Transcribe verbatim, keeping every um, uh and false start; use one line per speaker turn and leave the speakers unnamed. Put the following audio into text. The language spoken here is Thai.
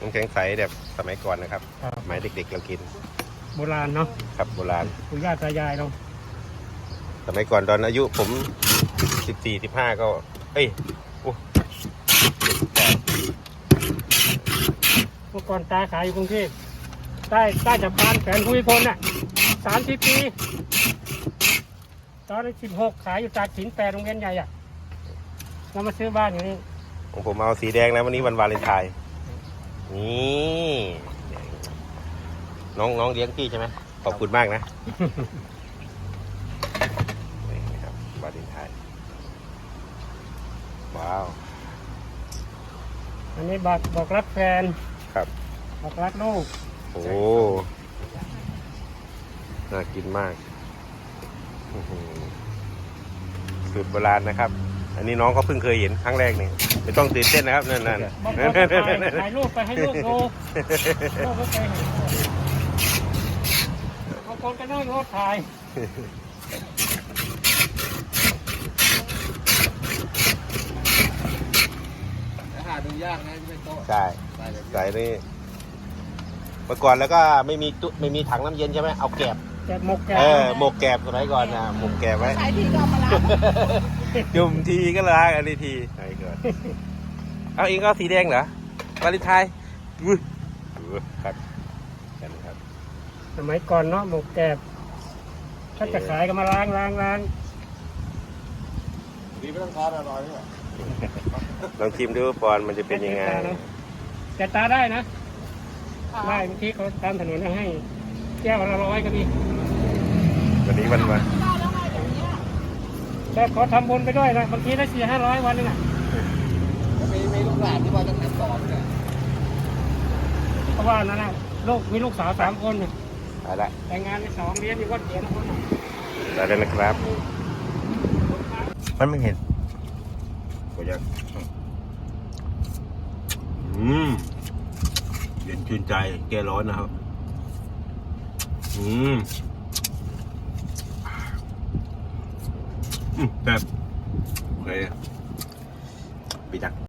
น้ำแข็งใสแบบสมัยก่อนนะครับสมัยเด็กๆเรากิน
โบราณเนาะ
ครับโบราณ
ปู่ย่าตายายเรา
สมัยก่อนตอนอายุผมสิบสี่สิบห้าก็เอ้ยโอ้
เมื่อก่อนตาขายอยู่กรุงเทพใต้ใต้จับบ้านแฝนภูมิพลน่ะสามสิบปีตอนสิบหกขายอยู่ตากสินแปดโรงเรียนใหญ่อ่ะเรามาซื้อบ้านอยู่นี่
ของผมเอาสีแดงนะวันนี้วันวาเลนไทน์นี่น้องน้องเลี้ยงพี่ใช่ไหมขอบคุณมากนะนี่นะครับวาเลนไทน์ว้าว
อันนี้บอกบอกรักแฟน
ครับ
บอกรักลูก
โอ้น่ากินมากสูตรโบราณนะครับอันนี้น้องเขาเพิ่งเคยเห็นครั้งแรกนี่ไม่ต้องตื่นเต้นนะครับนั่นนั่น
ถ่ายรูปไปให้ลูกดูลูกก็เคยเห็นบางคนก็นั่งรถถ่าย
หาดูยากนะที่เป็นโต๊ะ
ใช่ใส่นี่เมื่อก่อนแล้วก็ไม่มีตุ๊ไม่มีถังน้ำเย็นใช่ไหมเอาแกบ
แกบหมกแกบ
เออหมกแกบสมัยก่อนนะหมกแกบไว้
ใช้ทีก็มาล้าง
จุ่มทีก็ล้างอันนี้ทีไอ้ก่อนเอาเองก็สีแดงเหรอวาเลนไทน์อุ้ยครับกันครับ
สมัยก่อนเนาะหมกแกบถ้าจะขายก็มาล้างล้างล้าง
ดีไม่ต้องทานอร่อยด้วย
ลองชิมดูปอนมันจะเป็นยังไง
แต่ตาได้นะได้เมื่อกี้เขาตามถนนให้แก้วละร้อยก็มี
วันนี้วันวัน
แต่ขอทำบุญไปด้วยนะบางทีได้สี่ห้าร้อยวันนึงอ่ะ
มีมีลูกหลานที่ว่าจะทำต่อเนี่ย
เพราะว่านั่นนะลูกมีลูกสาวสามคน
ไปละ
แต่งงานไปสองเรียนอยู่วัดเขียนคน
ได้เลยนะครับมันไม่เห็นก็ยังอืมเย็นชื่นใจแก้ร้อนนะครับอืมอืมแบบโอเคไปจัก